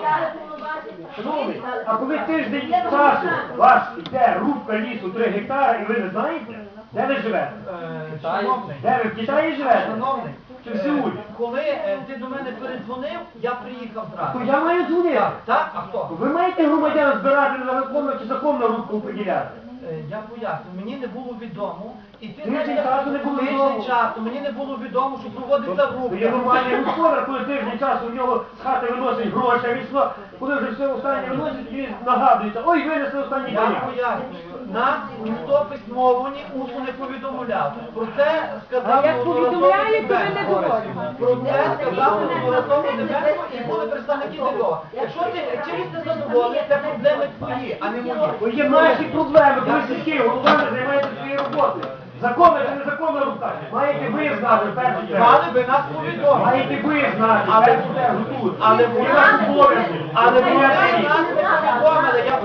Шановний, а коли тиждень часу ваш йде рубка лісу 3 гектари, і ви не знаєте, де ви живете? Шановний, Де ви в Китаї живете? шановний, Чи в Сеулі? коли ти до мене передзвонив, я приїхав То зразу. я маю дзвонити. Так? А хто? Ви маєте громадян збирати на законну чи законну рубку поділяти? Я поясню, мені не було відомо, і ти Тиждень знаєш, часу не було відомо. тиждень часу, мені не було відомо, що проводиться То є рубка. нормальний господар, коли тиждень часу в нього з хати виносить гроші, а він що, коли вже все останнє виносить, він нагадується, ой, винесли останні Я коня. пояснюю, нас ніхто письмово, ні усно не повідомляв. Про це сказав А як повідомляють, то ви не говорите. Про це сказав Мирослав Деменко і були представники Львова. Якщо ти чимось не задоволений, це проблеми твої, а не мої. Бо є наші проблеми, коли сільський голова не займається своєю роботою. Законна чи незаконна рука? Маєте ви знати в першу чергу. Мали би нас повідомити. Маєте ви знати в першу чергу тут. Але Є ваш обов'язок. Але Зупиняти їх.